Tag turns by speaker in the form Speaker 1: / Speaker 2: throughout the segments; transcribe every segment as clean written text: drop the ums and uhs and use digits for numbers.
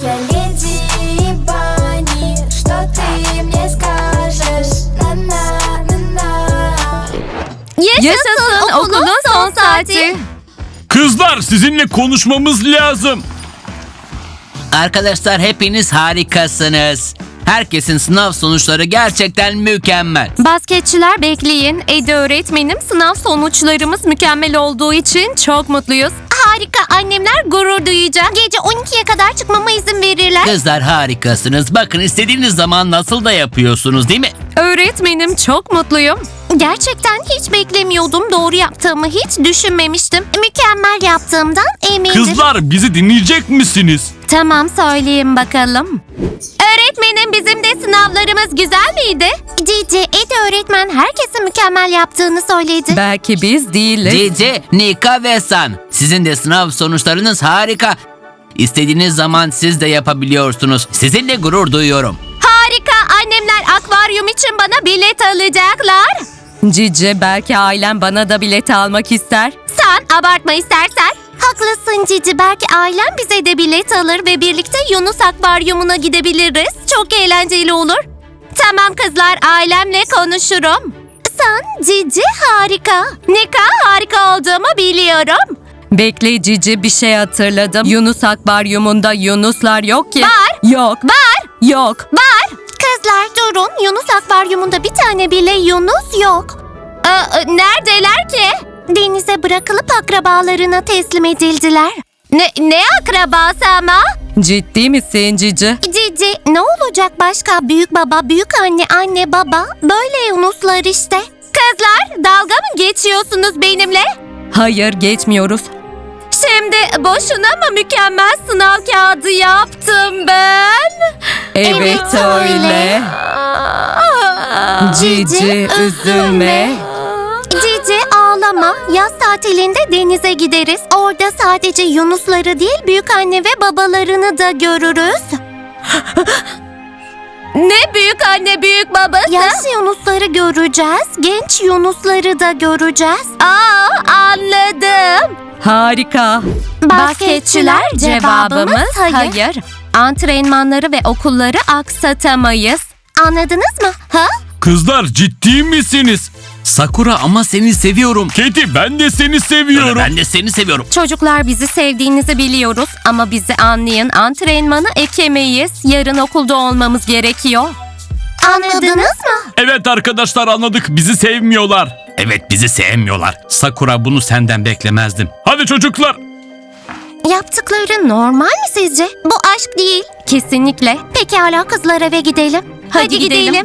Speaker 1: я леди Бани. Что ты мне скажешь? На-на-на-на.
Speaker 2: Yaşasın okulun son saati.
Speaker 3: Kızlar, sizinle konuşmamız lazım.
Speaker 4: Arkadaşlar hepiniz harikasınız. Herkesin sınav sonuçları gerçekten mükemmel.
Speaker 2: Basketçiler bekleyin. Ede öğretmenim, sınav sonuçlarımız mükemmel olduğu için çok mutluyuz. Harika, annemler gurur duyacak. Gece 12'ye kadar çıkmama izin verirler.
Speaker 4: Kızlar harikasınız. Bakın istediğiniz zaman nasıl da yapıyorsunuz değil mi?
Speaker 2: Öğretmenim, çok mutluyum. Gerçekten hiç beklemiyordum. Doğru yaptığımı hiç düşünmemiştim. Mükemmel yaptığımdan eminim.
Speaker 3: Kızlar, bizi dinleyecek misiniz?
Speaker 2: Tamam, söyleyeyim bakalım. Öğretmenim, bizim de sınavlarımız güzel miydi? Cici, Ede öğretmen herkesin mükemmel yaptığını söyledi. Belki biz değiliz.
Speaker 4: Cici, Nika ve San. Sizin de sınav sonuçlarınız harika. İstediğiniz zaman siz de yapabiliyorsunuz. Sizinle gurur duyuyorum.
Speaker 2: Harika, annemler akvaryum için bana bilet alacaklar. Cici, belki ailem bana da bilet almak ister. Sen abartma istersen. Haklısın Cici, belki ailem bize de bilet alır ve birlikte Yunus akvaryumuna gidebiliriz. Çok eğlenceli olur. Tamam kızlar, ailemle konuşurum. Sen Cici harika. Nika, harika olduğumu biliyorum. Bekle Cici, bir şey hatırladım. Yunus akvaryumunda yunuslar yok ki. Var. Yok. Var. Yok. Var. Kızlar durun. Yunus akvaryumunda bir tane bile yunus yok. Neredeler ki? Denize bırakılıp akrabalarına teslim edildiler. Ne akrabası ama? Ciddi misin Cici? Cici, ne olacak başka? Büyük baba, büyük anne, anne, baba. Böyle yunuslar işte. Kızlar, dalga mı geçiyorsunuz benimle? Hayır, geçmiyoruz. Şimdi boşuna mı mükemmel sınav kağıdı yaptım ben? Evet öyle. Cici, üzülme. Cici, ağlama. Yaz tatilinde denize gideriz. Orada sadece yunusları değil, büyük anne ve babalarını da görürüz. Ne büyük anne, büyük babası? Yaşlı yunusları göreceğiz. Genç yunusları da göreceğiz. Anladım. Harika. Basketçiler, cevabımız hayır. Antrenmanları ve okulları aksatamayız. Anladınız mı? Ha?
Speaker 3: Kızlar, ciddi misiniz?
Speaker 4: Sakura, ama seni seviyorum.
Speaker 3: Katie, ben de seni seviyorum.
Speaker 4: Ben de seni seviyorum.
Speaker 2: Çocuklar, bizi sevdiğinizi biliyoruz ama bizi anlayın. Antrenmanı ekemeyiz. Yarın okulda olmamız gerekiyor. Anladınız mı?
Speaker 3: Evet arkadaşlar, anladık. Bizi sevmiyorlar.
Speaker 4: Evet, bizi sevmiyorlar. Sakura, bunu senden beklemezdim.
Speaker 3: Hadi çocuklar.
Speaker 2: Yaptıkları normal mi sizce? Bu aşk değil. Kesinlikle. Pekala kızlar, eve gidelim. Hadi gidelim.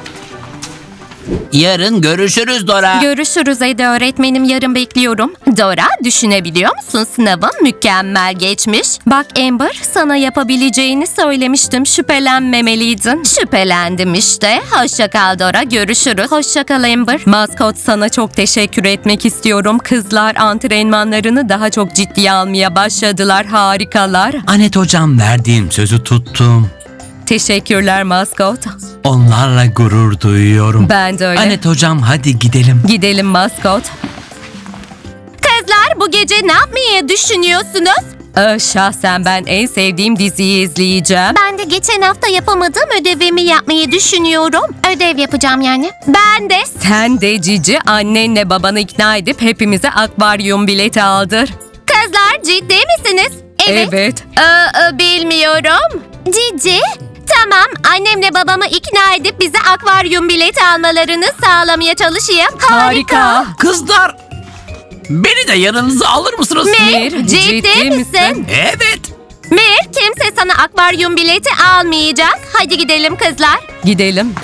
Speaker 4: Yarın görüşürüz Dora.
Speaker 2: Görüşürüz Ede öğretmenim, yarın bekliyorum. Dora, düşünebiliyor musun? Sınavın mükemmel geçmiş. Bak Amber, sana yapabileceğini söylemiştim. Şüphelenmemeliydin. Şüphelendim işte. Hoşça kal Dora, görüşürüz. Hoşça kal Amber. Maskot, sana çok teşekkür etmek istiyorum. Kızlar antrenmanlarını daha çok ciddiye almaya başladılar. Harikalar.
Speaker 4: Anet hocam, verdiğim sözü tuttum.
Speaker 2: Teşekkürler Maskot.
Speaker 4: Onlarla gurur duyuyorum.
Speaker 2: Ben de öyle.
Speaker 4: Anet hocam, hadi gidelim.
Speaker 2: Gidelim Maskot. Kızlar, bu gece ne yapmayı düşünüyorsunuz? Şahsen ben en sevdiğim diziyi izleyeceğim. Ben de geçen hafta yapamadığım ödevimi yapmayı düşünüyorum. Ödev yapacağım yani. Ben de. Sen de Cici, annenle babanı ikna edip hepimize akvaryum bileti aldır. Kızlar, ciddi misiniz? Evet. Bilmiyorum. Cici, tamam, annemle babamı ikna edip bize akvaryum bileti almalarını sağlamaya çalışayım. Harika.
Speaker 4: Kızlar, beni de yanınıza alır mısınız?
Speaker 2: Mir, ciddi misin?
Speaker 4: Evet.
Speaker 2: Mir, kimse sana akvaryum bileti almayacak. Hadi gidelim kızlar. Gidelim.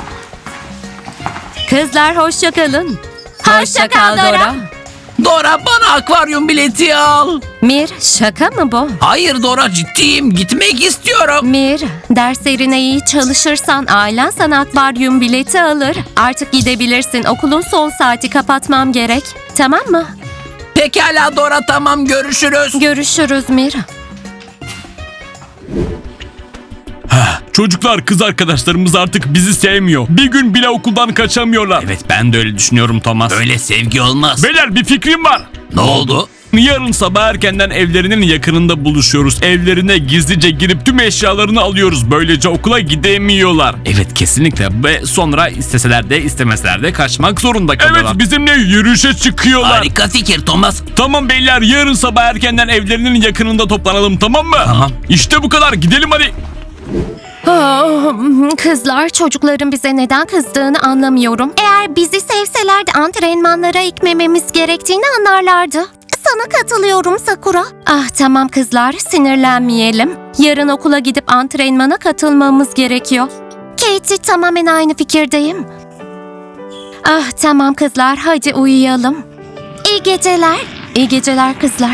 Speaker 2: Kızlar, hoşça kalın. Hoşça kal Dora.
Speaker 4: Dora, bana akvaryum bileti al.
Speaker 2: Mir, şaka mı bu?
Speaker 4: Hayır Dora, ciddiyim. Gitmek istiyorum.
Speaker 2: Mir, derslerine iyi çalışırsan ailen sana akvaryum bileti alır. Artık gidebilirsin. Okulun son saati, kapatmam gerek. Tamam mı?
Speaker 4: Pekala Dora, tamam, görüşürüz.
Speaker 2: Görüşürüz Mir.
Speaker 3: Çocuklar, kız arkadaşlarımız artık bizi sevmiyor. Bir gün bile okuldan kaçamıyorlar.
Speaker 4: Evet, ben de öyle düşünüyorum Thomas. Öyle sevgi olmaz.
Speaker 3: Beyler, bir fikrim var.
Speaker 4: Ne oldu?
Speaker 3: Yarın sabah erkenden evlerinin yakınında buluşuyoruz. Evlerine gizlice girip tüm eşyalarını alıyoruz. Böylece okula gidemiyorlar.
Speaker 4: Evet kesinlikle ve sonra isteseler de istemeseler de kaçmak zorunda kalıyorlar.
Speaker 3: Evet, bizimle yürüyüşe çıkıyorlar.
Speaker 4: Harika fikir Thomas.
Speaker 3: Tamam beyler, yarın sabah erkenden evlerinin yakınında toplanalım, tamam mı?
Speaker 4: Tamam.
Speaker 3: İşte bu kadar, gidelim hadi.
Speaker 2: Kızlar, çocukların bize neden kızdığını anlamıyorum. Eğer bizi sevselerdi antrenmanlara ekmememiz gerektiğini anlarlardı. Sana katılıyorum Sakura. Ah tamam kızlar, sinirlenmeyelim. Yarın okula gidip antrenmana katılmamız gerekiyor. Katie, tamamen aynı fikirdeyim. Ah tamam kızlar, hadi uyuyalım. İyi geceler. İyi geceler kızlar.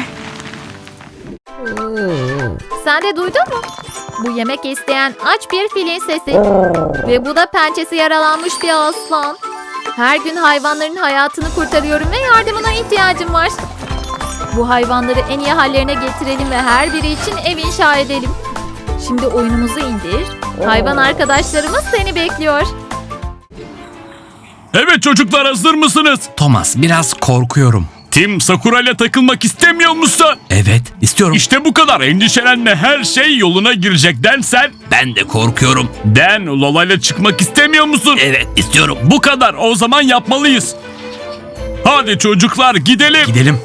Speaker 5: Sen de duydun mu? Bu yemek isteyen aç bir filin sesi. Ve bu da pençesi yaralanmış bir aslan. Her gün hayvanların hayatını kurtarıyorum ve yardımına ihtiyacım var. Bu hayvanları en iyi hallerine getirelim ve her biri için ev inşa edelim. Şimdi oyunumuzu indir. Hayvan arkadaşlarımız seni bekliyor.
Speaker 3: Evet çocuklar, hazır mısınız?
Speaker 4: Thomas, biraz korkuyorum.
Speaker 3: Tim, Sakura ile takılmak istemiyor musun?
Speaker 4: Evet, istiyorum.
Speaker 3: İşte bu kadar, endişelenme, her şey yoluna girecek. Den sen?
Speaker 4: Ben de korkuyorum.
Speaker 3: Den, Lola ile çıkmak istemiyor musun?
Speaker 4: Evet, istiyorum.
Speaker 3: Bu kadar, o zaman yapmalıyız. Hadi çocuklar, gidelim.
Speaker 4: Gidelim.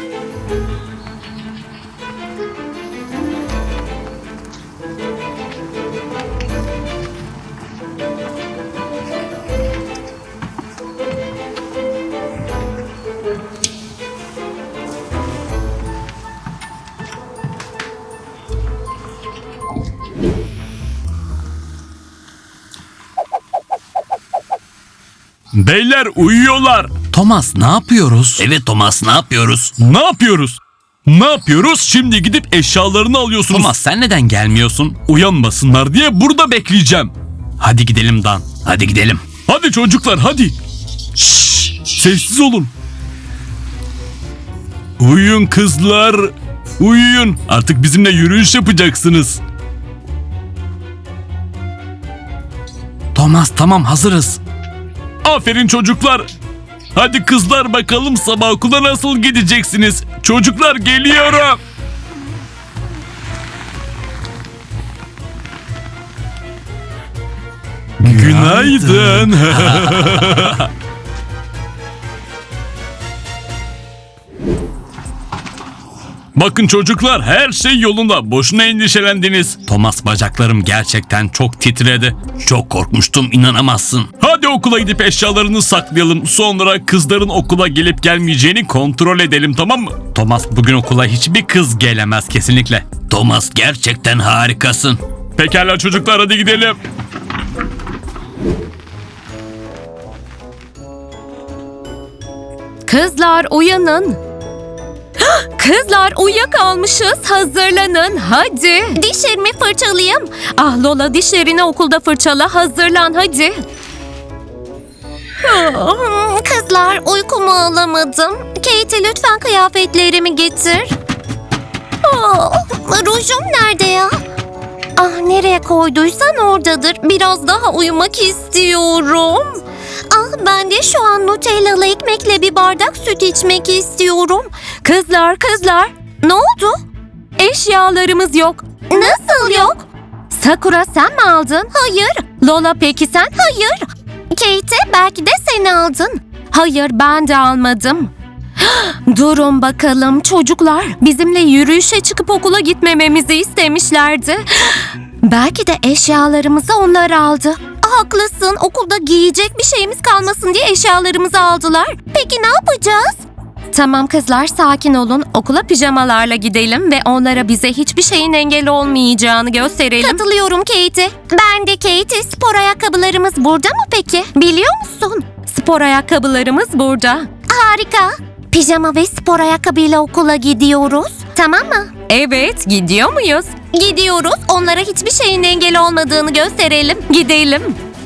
Speaker 3: Beyler uyuyorlar.
Speaker 4: Thomas, ne yapıyoruz? Evet Thomas, ne yapıyoruz?
Speaker 3: Ne yapıyoruz? Ne yapıyoruz? Şimdi gidip eşyalarını alıyorsunuz.
Speaker 4: Thomas, sen neden gelmiyorsun?
Speaker 3: Uyanmasınlar diye burada bekleyeceğim.
Speaker 4: Hadi gidelim Dan. Hadi gidelim.
Speaker 3: Hadi çocuklar, hadi. Şşş, sessiz olun. Uyuyun kızlar. Uyuyun. Artık bizimle yürüyüş yapacaksınız.
Speaker 4: Thomas, tamam, hazırız.
Speaker 3: Aferin çocuklar. Hadi kızlar, bakalım sabah okula nasıl gideceksiniz? Çocuklar, geliyorum. Günaydın. Bakın çocuklar, her şey yolunda. Boşuna endişelendiniz.
Speaker 4: Thomas, bacaklarım gerçekten çok titredi. Çok korkmuştum, inanamazsın.
Speaker 3: Hadi okula gidip eşyalarını saklayalım. Sonra kızların okula gelip gelmeyeceğini kontrol edelim, tamam mı?
Speaker 4: Thomas, bugün okula hiçbir kız gelemez kesinlikle. Thomas, gerçekten harikasın.
Speaker 3: Pekala çocuklar, hadi gidelim.
Speaker 2: Kızlar uyanın. Kızlar uyuyakalmışız. Hazırlanın hadi. Dişlerimi fırçalayayım. Ah Lola, dişlerini okulda fırçala. Hazırlan hadi. Kızlar, uykumu alamadım. Katie, lütfen kıyafetlerimi getir. Rujum nerede ya? Ah, nereye koyduysan oradadır. Biraz daha uyumak istiyorum. Ah, ben de şu an Nutellalı ekmekle bir bardak süt içmek istiyorum. Kızlar, ne oldu? Eşyalarımız yok. Nasıl yok? Sakura, sen mi aldın? Hayır. Lola, peki sen? Hayır. Kate, belki de sen aldın. Hayır, ben de almadım. Durun bakalım çocuklar. Bizimle yürüyüşe çıkıp okula gitmememizi istemişlerdi. Belki de eşyalarımızı onlar aldı. Haklısın, okulda giyecek bir şeyimiz kalmasın diye eşyalarımızı aldılar. Peki ne yapacağız? Tamam kızlar, sakin olun. Okula pijamalarla gidelim ve onlara bize hiçbir şeyin engel olmayacağını gösterelim. Katılıyorum Katie. Ben de Katie. Spor ayakkabılarımız burada mı peki? Biliyor musun? Spor ayakkabılarımız burada. Harika. Pijama ve spor ayakkabıyla okula gidiyoruz. Tamam mı? Evet, gidiyor muyuz? Gidiyoruz. Onlara hiçbir şeyin engel olmadığını gösterelim. Gidelim.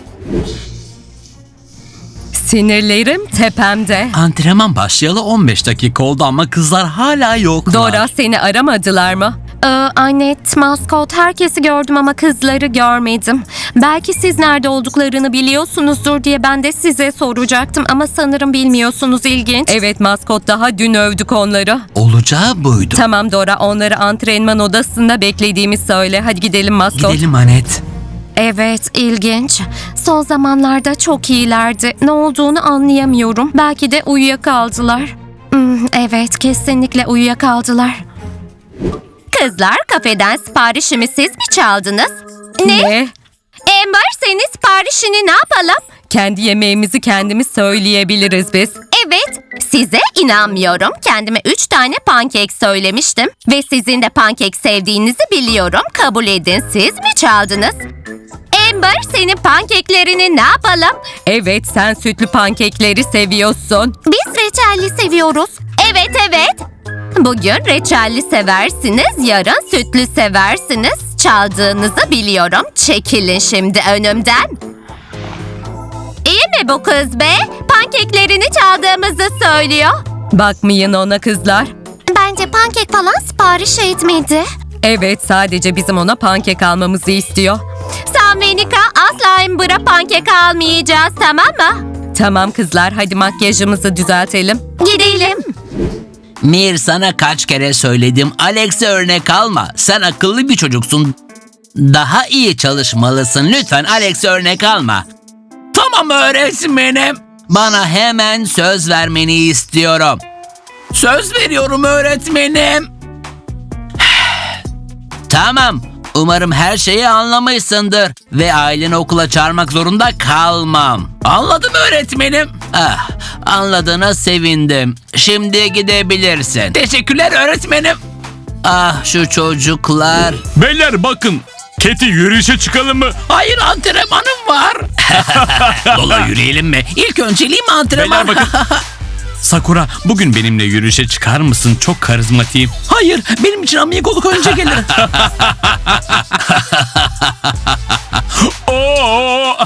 Speaker 2: Sinirlerim tepemde.
Speaker 4: Antrenman başlayalı 15 dakika oldu ama kızlar hala yoklar.
Speaker 2: Dora, seni aramadılar mı? Annette, maskot, herkesi gördüm ama kızları görmedim. Belki siz nerede olduklarını biliyorsunuzdur diye ben de size soracaktım ama sanırım bilmiyorsunuz, ilginç. Evet maskot, daha dün övdük onları.
Speaker 4: Olacağı buydu.
Speaker 2: Tamam Dora, onları antrenman odasında beklediğimi söyle. Hadi gidelim maskot.
Speaker 4: Gidelim Anet.
Speaker 2: Evet, ilginç. Son zamanlarda çok iyilerdi. Ne olduğunu anlayamıyorum. Belki de uyuyakaldılar. Evet, kesinlikle uyuyakaldılar. Kızlar, kafeden siparişimi siz mi çaldınız? Ne? Amber, senin siparişini ne yapalım? Kendi yemeğimizi kendimiz söyleyebiliriz biz. Evet, size inanmıyorum. Kendime 3 tane pankek söylemiştim. Ve sizin de pankek sevdiğinizi biliyorum. Kabul edin, siz mi çaldınız? Amber, senin pankeklerini ne yapalım? Evet, sen sütlü pankekleri seviyorsun. Biz reçelli seviyoruz. Evet. Bugün reçelli seversiniz, yarın sütlü seversiniz. Çaldığınızı biliyorum. Çekilin şimdi önümden. İyi mi bu kız be? Pankeklerini çaldığımızı söylüyor. Bakmayın ona kızlar. Bence pankek falan sipariş etmedi. Evet, sadece bizim ona pankek almamızı istiyor. Sen ve Nika asla Amber'a pankek almayacağız, tamam mı? Tamam kızlar, hadi makyajımızı düzeltelim. Gidelim.
Speaker 4: Mir, sana kaç kere söyledim. Alex'e örnek alma. Sen akıllı bir çocuksun. Daha iyi çalışmalısın. Lütfen Alex'e örnek alma. Tamam öğretmenim. Bana hemen söz vermeni istiyorum. Söz veriyorum öğretmenim. Tamam. Umarım her şeyi anlamışsındır ve aileni okula çağırmak zorunda kalmam. Anladım öğretmenim. Anladığına sevindim. Şimdi gidebilirsin. Teşekkürler öğretmenim. Ah şu çocuklar.
Speaker 3: Beyler bakın. Keti, yürüyüşe çıkalım mı?
Speaker 4: Hayır, antrenmanım var. Lola, yürüyelim mi? İlk önceliğim antrenman.
Speaker 3: Beyler bakın. Sakura, bugün benimle yürüyüşe çıkar mısın? Çok karizmatiyim.
Speaker 4: Hayır, benim için amigoluk önce gelir.
Speaker 3: Oo!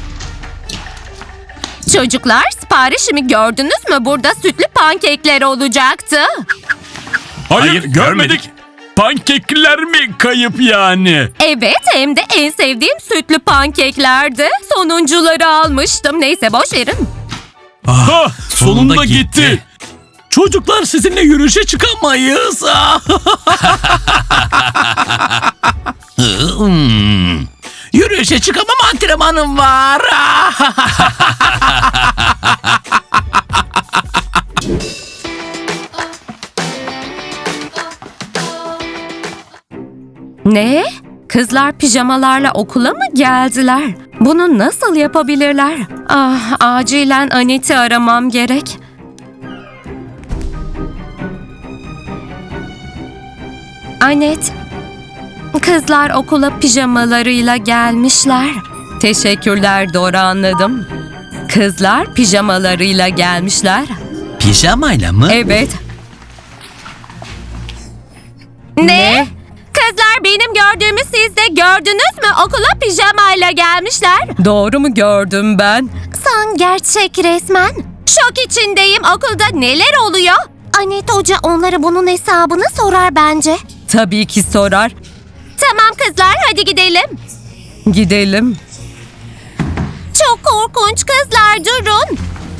Speaker 2: Çocuklar, siparişimi gördünüz mü? Burada sütlü pankekler olacaktı.
Speaker 3: Hayır, görmedik. Pankekler mi kayıp yani?
Speaker 2: Evet, hem de en sevdiğim sütlü pankeklerdi. Sonuncuları almıştım. Neyse, boş verin.
Speaker 3: Sonunda gitti.
Speaker 4: Çocuklar, sizinle yürüyüşe çıkamayız. Yürüyüşe çıkamam, antrenmanım var.
Speaker 2: Ne? Kızlar pijamalarla okula mı geldiler? Bunu nasıl yapabilirler? Ah, acilen Anette'i aramam gerek. Annette, kızlar okula pijamalarıyla gelmişler. Teşekkürler Dora, anladım. Kızlar pijamalarıyla gelmişler.
Speaker 4: Pijamayla mı?
Speaker 2: Evet. Ne? Kızlar, benim gördüğümü siz de gördünüz mü? Okula pijamayla gelmişler. Doğru mu gördüm ben? Sen gerçek resmen. Şok içindeyim. Okulda neler oluyor? Anette Hoca onlara bunun hesabını sorar bence. Tabii ki sorar. Tamam kızlar, hadi gidelim. Gidelim. Çok korkunç kızlar, durun.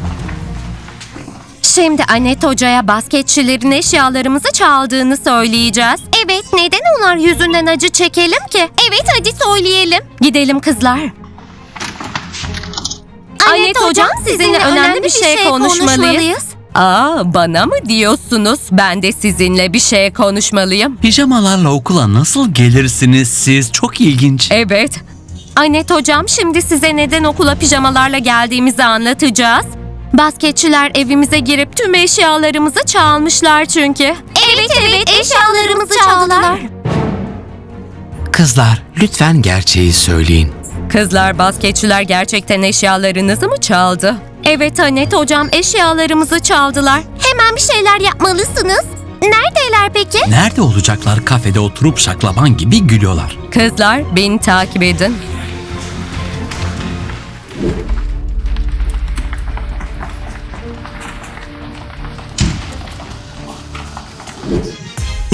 Speaker 2: Şimdi Anette Hoca'ya basketçilerin eşyalarımızı çaldığını söyleyeceğiz. Evet, neden onlar yüzünden acı çekelim ki? Evet, hadi söyleyelim. Gidelim kızlar. Anette Hocam, sizinle önemli bir şey konuşmalıyız. Bana mı diyorsunuz? Ben de sizinle bir şey konuşmalıyım.
Speaker 4: Pijamalarla okula nasıl gelirsiniz siz? Çok ilginç.
Speaker 2: Evet. Anette Hocam, şimdi size neden okula pijamalarla geldiğimizi anlatacağız. Basketçiler evimize girip tüm eşyalarımızı çalmışlar çünkü. Evet, eşyalarımızı çaldılar.
Speaker 4: Kızlar, lütfen gerçeği söyleyin.
Speaker 2: Kızlar, basketçiler gerçekten eşyalarınızı mı çaldı? Evet Anette Hocam, eşyalarımızı çaldılar. Hemen bir şeyler yapmalısınız. Neredeler peki?
Speaker 4: Nerede olacaklar? Kafede oturup şaklaban gibi gülüyorlar.
Speaker 2: Kızlar, beni takip edin.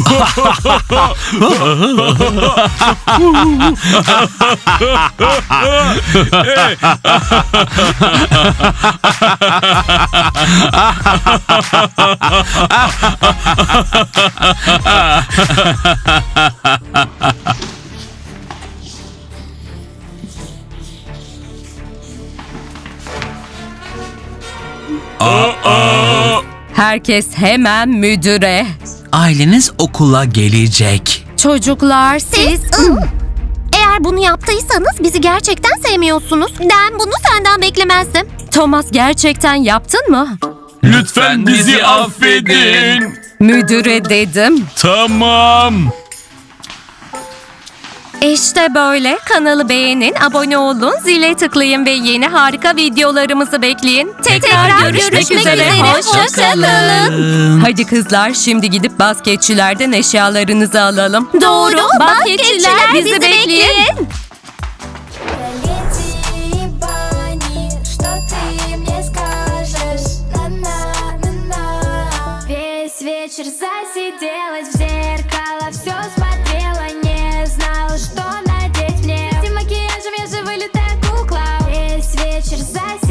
Speaker 2: Herkes hemen müdüre.
Speaker 4: Aileniz okula gelecek.
Speaker 2: Çocuklar siz... Eğer bunu yaptıysanız bizi gerçekten sevmiyorsunuz. Ben bunu senden beklemezdim. Thomas, gerçekten yaptın mı?
Speaker 3: Lütfen bizi affedin.
Speaker 2: Müdüre dedim.
Speaker 3: Tamam.
Speaker 2: İşte böyle. Kanalı beğenin, abone olun, zile tıklayın ve yeni harika videolarımızı bekleyin. Tekrar görüşmek üzere. Hoşça kalın. Hadi kızlar, şimdi gidip basketçilerden eşyalarınızı alalım. Doğru. Basketçiler bizi bekleyin.
Speaker 1: Леди Бани, что ты мне скажешь? На-на-на-на. Весь вечер засиделась в зеркало, все смотрела, не знала, что надеть мне. Этим макияжем я же вылитая кукла. Весь вечер засиделась.